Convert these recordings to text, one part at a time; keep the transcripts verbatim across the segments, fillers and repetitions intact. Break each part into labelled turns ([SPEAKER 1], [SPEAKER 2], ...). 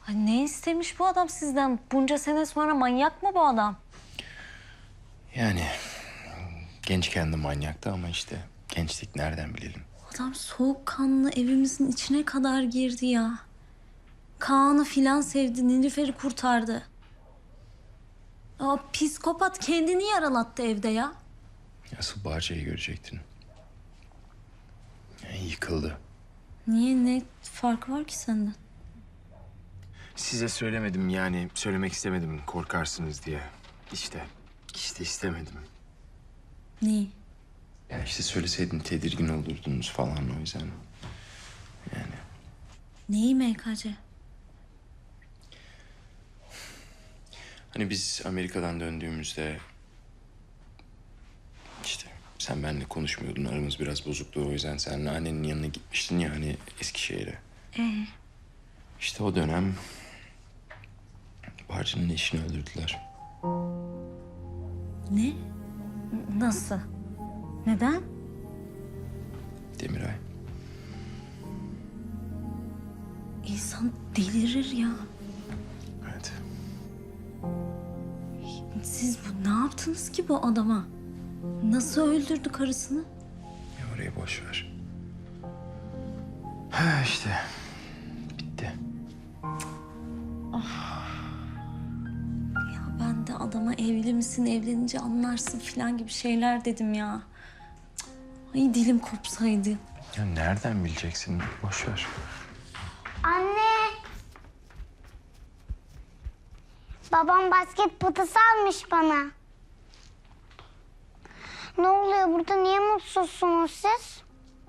[SPEAKER 1] Ay ne istemiş bu adam sizden? Bunca sene sonra manyak mı bu adam?
[SPEAKER 2] Yani gençken de manyaktı ama işte gençlik nereden bilelim.
[SPEAKER 1] Adam soğukkanlı evimizin içine kadar girdi ya. Kaan'ı filan sevdi, Nilüfer'i kurtardı. Aa, psikopat kendini yaralattı evde ya.
[SPEAKER 2] Asıl Bahçe'yi görecektin. Yani yıkıldı.
[SPEAKER 1] Niye, ne farkı var ki senden?
[SPEAKER 2] Size söylemedim yani söylemek istemedim korkarsınız diye. İşte, işte istemedim.
[SPEAKER 1] Neyi?
[SPEAKER 2] Ya işte söyleseydin tedirgin olurdunuz falan o yüzden. Yani
[SPEAKER 1] Neyi M K C?
[SPEAKER 2] hani biz Amerika'dan döndüğümüzde işte sen benimle konuşmuyordun aramız biraz bozuktu o yüzden sen annenin yanına gitmiştin ya hani Eskişehir'e.
[SPEAKER 1] Ee?
[SPEAKER 2] İşte o dönem Barcı'nın eşini öldürdüler.
[SPEAKER 1] Ne? Nasıl? Neden?
[SPEAKER 2] Demiray.
[SPEAKER 1] İnsan delirir ya.
[SPEAKER 2] Evet.
[SPEAKER 1] Siz bu ne yaptınız ki bu adama? Nasıl öldürdü karısını?
[SPEAKER 2] Ya orayı boş ver. Ha işte. Bitti.
[SPEAKER 1] Ya ben de adama evli misin, evlenince anlarsın falan gibi şeyler dedim ya. Cık, ay dilim kopsaydı.
[SPEAKER 2] Ya nereden bileceksin? Boş ver.
[SPEAKER 3] Anne. Babam basket potası almış bana. Ne oluyor burada? Niye mutsuzsunuz siz?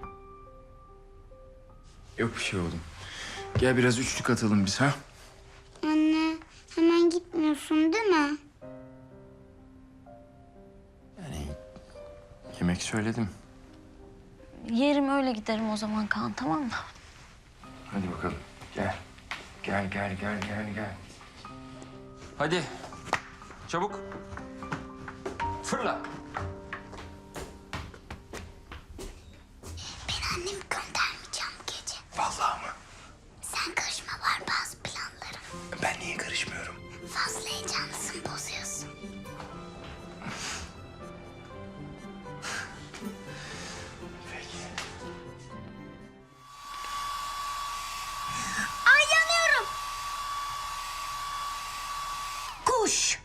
[SPEAKER 2] Yok bir şey oğlum. Gel biraz üçlük atalım biz ha.
[SPEAKER 3] Anne, hemen gitmiyorsun değil mi?
[SPEAKER 2] Yani yemek söyledim.
[SPEAKER 1] Yerim öyle giderim o zaman Kaan, tamam mı?
[SPEAKER 2] Hadi bakalım. Gel. Gel gel gel gel gel. Hadi. Çabuk. Fırla.
[SPEAKER 3] Ben annemi göndermeyeceğim bu gece.
[SPEAKER 2] Vallahi mı?
[SPEAKER 3] Sen karışma, var bazı planlarım.
[SPEAKER 2] Ben niye karışmıyorum?
[SPEAKER 3] Fazla heyecanlısın, bozuyorsun.
[SPEAKER 2] Peki.
[SPEAKER 3] Ay yanıyorum.
[SPEAKER 1] Kuş!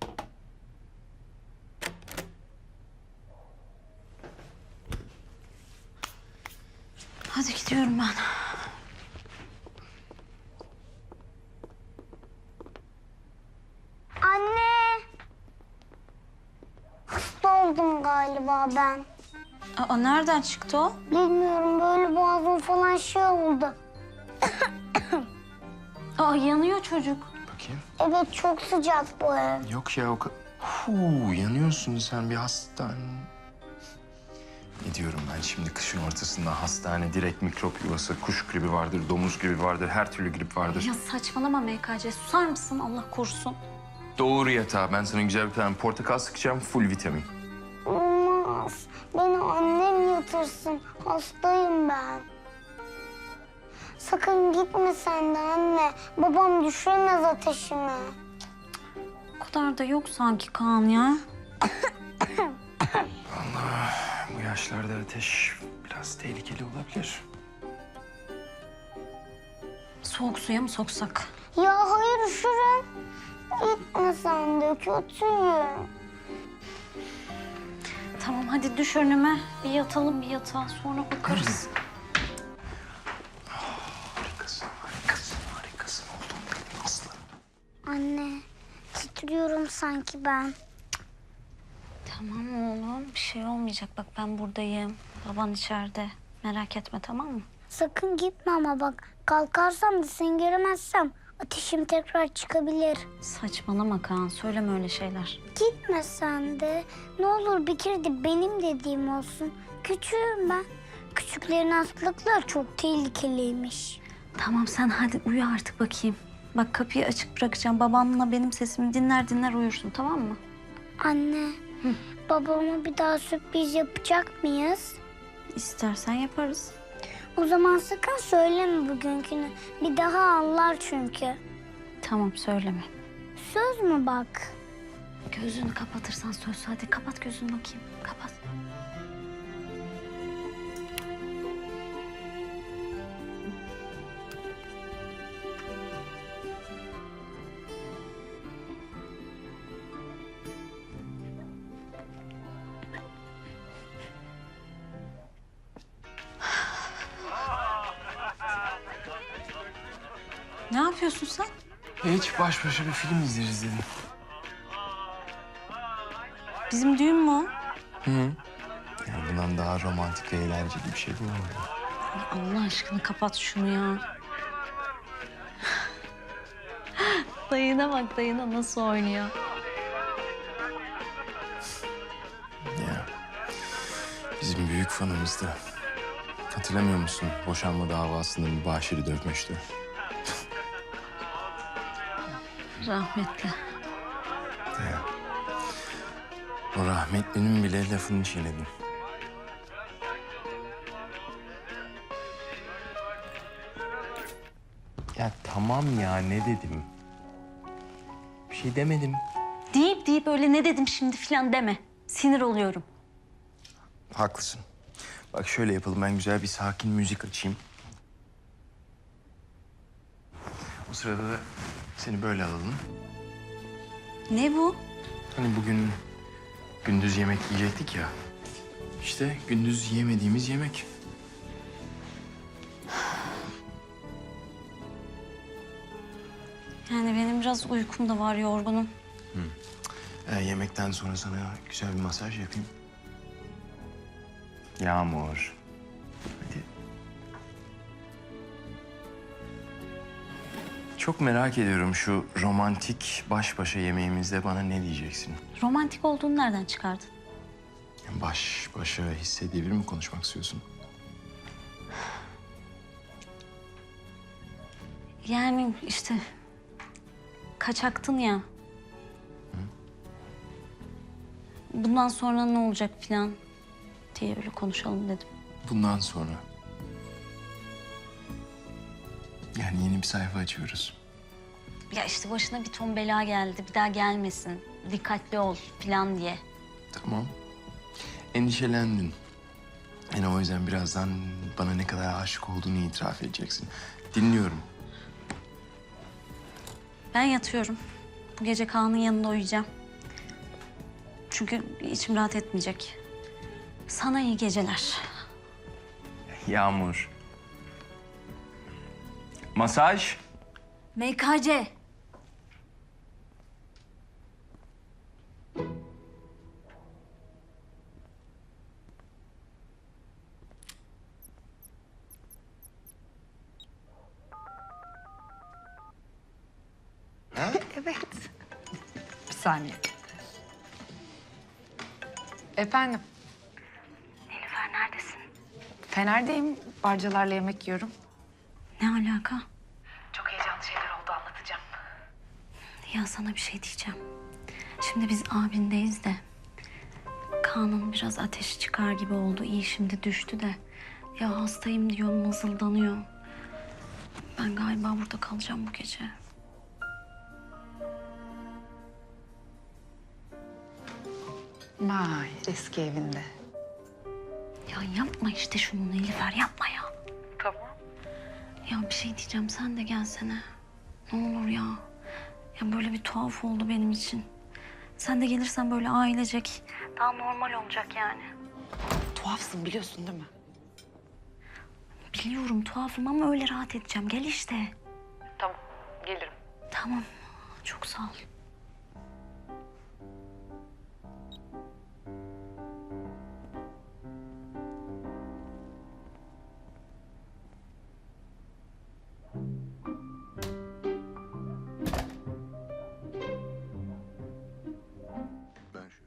[SPEAKER 1] Hadi gidiyorum ben.
[SPEAKER 3] Anne. Hasta oldum galiba ben.
[SPEAKER 1] Aa, nereden çıktı o?
[SPEAKER 3] Bilmiyorum, böyle boğazım falan şey oldu.
[SPEAKER 1] Aa, yanıyor çocuk.
[SPEAKER 2] Bakayım.
[SPEAKER 3] Evet, çok sıcak bu ev.
[SPEAKER 2] Yok ya o kadar. Huu, yanıyorsun sen bir hastane. Ne diyorum ben şimdi kışın ortasında hastane, direkt mikrop yuvası, kuş gribi vardır, domuz gribi vardır, her türlü grip vardır.
[SPEAKER 1] Ya saçmalama M K C, susar mısın Allah korusun?
[SPEAKER 2] Doğru yatağa. Ben sana güzel bir tane portakal sıkacağım, full vitamin.
[SPEAKER 3] Olmaz. Beni annem yatırsın. Hastayım ben. Sakın gitme sen de anne. Babam düşüremez ateşimi.
[SPEAKER 1] O kadar da yok sanki Kaan ya.
[SPEAKER 2] Bu yaşlarda ateş biraz tehlikeli olabilir.
[SPEAKER 1] Soğuk suya mı soksak?
[SPEAKER 3] Ya hayır, üşürüm. Gitme sen de, kötüyüm.
[SPEAKER 1] Tamam hadi düş önüme. Bir yatalım bir yatağa, sonra bakarız.
[SPEAKER 2] Harikasın, harikasın, harikasın oldum benim aslanım.
[SPEAKER 3] Anne, titriyorum sanki ben.
[SPEAKER 1] Tamam oğlum, bir şey olmayacak. Bak ben buradayım. Baban içeride. Merak etme, tamam mı?
[SPEAKER 3] Sakın gitme ama bak. Kalkarsam da seni göremezsem ateşim tekrar çıkabilir.
[SPEAKER 1] Saçmalama Kaan, söyleme öyle şeyler.
[SPEAKER 3] Gitme sen de. Ne olur bir kere de benim dediğim olsun. Küçüğüm ben. Küçüklerin hastalıkları çok tehlikeliymiş.
[SPEAKER 1] Tamam sen hadi uyu artık bakayım. Bak kapıyı açık bırakacağım. Babanla benim sesimi dinler dinler uyursun, tamam mı?
[SPEAKER 3] Anne, babama bir daha sürpriz yapacak mıyız?
[SPEAKER 1] İstersen yaparız.
[SPEAKER 3] O zaman sakın söyleme bugünkünü. Bir daha anlar çünkü.
[SPEAKER 1] Tamam söyleme.
[SPEAKER 3] Söz mü bak?
[SPEAKER 1] Gözünü kapatırsan söz. Hadi kapat gözünü bakayım. Kapat. Ne yapıyorsun sen?
[SPEAKER 2] Hiç baş başa bir film izleriz dedim.
[SPEAKER 1] Bizim düğün mü o?
[SPEAKER 2] Hı. Yani bundan daha romantik ve eğlenceli bir şey bulamadım.
[SPEAKER 1] Ay Allah aşkına kapat şunu ya. Dayına bak, dayına nasıl oynuyor.
[SPEAKER 2] Ya bizim büyük fanımızdı. Hatırlamıyor musun? Boşanma davasında mübaşiri dövmüştü.
[SPEAKER 1] Rahmetli.
[SPEAKER 2] Ya. O rahmetlinin bile lafını çiğnedim. Ya tamam ya, ne dedim? Bir şey demedim.
[SPEAKER 1] Deyip deyip öyle ne dedim şimdi falan deme. Sinir oluyorum.
[SPEAKER 2] Haklısın. Bak şöyle yapalım, ben güzel bir sakin müzik açayım. O sırada da seni böyle alalım.
[SPEAKER 1] Ne bu?
[SPEAKER 2] Hani bugün gündüz yemek yiyecektik ya. İşte gündüz yemediğimiz yemek.
[SPEAKER 1] Yani benim biraz uykum da var, yorgunum.
[SPEAKER 2] Ee, yemekten sonra sana güzel bir masaj yapayım. Yağmur. Hadi. Çok merak ediyorum, şu romantik baş başa yemeğimizde bana ne diyeceksin?
[SPEAKER 1] Romantik olduğunu nereden çıkardın?
[SPEAKER 2] Baş başa hissedebilir mi konuşmak istiyorsun?
[SPEAKER 1] Yani işte kaçaktın ya. Bundan sonra ne olacak falan diye öyle konuşalım dedim.
[SPEAKER 2] Bundan sonra. Yani yeni bir sayfa açıyoruz.
[SPEAKER 1] Ya işte başına bir ton bela geldi, bir daha gelmesin, dikkatli ol falan diye.
[SPEAKER 2] Tamam. Endişelendin. Yani o yüzden birazdan bana ne kadar aşık olduğunu itiraf edeceksin. Dinliyorum.
[SPEAKER 1] Ben yatıyorum. Bu gece Kaan'ın yanında uyuyacağım. Çünkü içim rahat etmeyecek. Sana iyi geceler.
[SPEAKER 2] Yağmur. Masaj.
[SPEAKER 1] M K C.
[SPEAKER 4] Evet. Bir saniye. Efendim,
[SPEAKER 1] Nilüfer neredesin?
[SPEAKER 4] Fener'deyim. Barcalarla yemek yiyorum.
[SPEAKER 1] Ne alaka?
[SPEAKER 4] Çok heyecanlı şeyler oldu, anlatacağım.
[SPEAKER 1] Ya sana bir şey diyeceğim. Şimdi biz abindeyiz de Kaan'ın biraz ateşi çıkar gibi oldu. İyi şimdi düştü de. Ya hastayım diyor, mızıldanıyor. Ben galiba burada kalacağım bu gece.
[SPEAKER 4] Vay, eski evinde.
[SPEAKER 1] Ya yapma işte şunu Nilüfer, yapma ya.
[SPEAKER 4] Tamam.
[SPEAKER 1] Ya bir şey diyeceğim, sen de gelsene. Ne olur ya. Ya böyle bir tuhaf oldu benim için. Sen de gelirsen böyle ailecek. Daha normal olacak yani.
[SPEAKER 4] Tuhafsın biliyorsun değil mi?
[SPEAKER 1] Biliyorum tuhafım ama öyle rahat edeceğim. Gel işte.
[SPEAKER 4] Tamam, gelirim.
[SPEAKER 1] Tamam. Çok sağ ol.
[SPEAKER 2] Ben şu...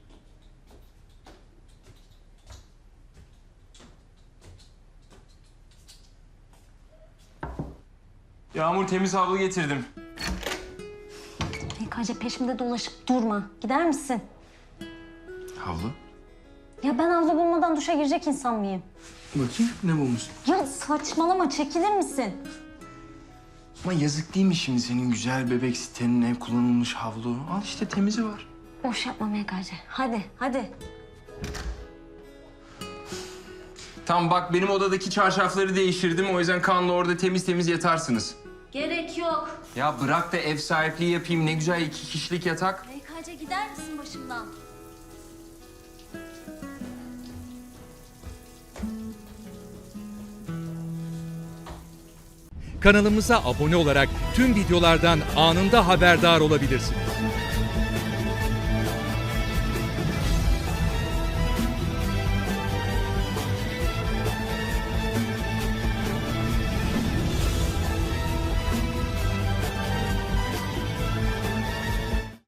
[SPEAKER 2] Yağmur, temiz havlu getirdim.
[SPEAKER 1] M K C peşimde dolaşıp durma. Gider misin?
[SPEAKER 2] Havlu?
[SPEAKER 1] Ya ben havlu bulmadan duşa girecek insan mıyım?
[SPEAKER 2] Bakayım ne bulmuşsun?
[SPEAKER 1] Ya saçmalama, çekilir misin?
[SPEAKER 2] Ama yazık değil mi şimdi senin güzel bebek sitenine kullanılmış havlu? Al işte temizi var.
[SPEAKER 1] Boş yapma M K C. Hadi, hadi.
[SPEAKER 2] Tamam bak benim odadaki çarşafları değiştirdim. O yüzden Kaan'la orada temiz temiz yatarsınız.
[SPEAKER 1] Gerek yok.
[SPEAKER 2] Ya bırak da ev sahipliği yapayım. Ne güzel iki kişilik yatak.
[SPEAKER 1] M K C gider misin başımdan?
[SPEAKER 5] Kanalımıza abone olarak tüm videolardan anında haberdar olabilirsiniz.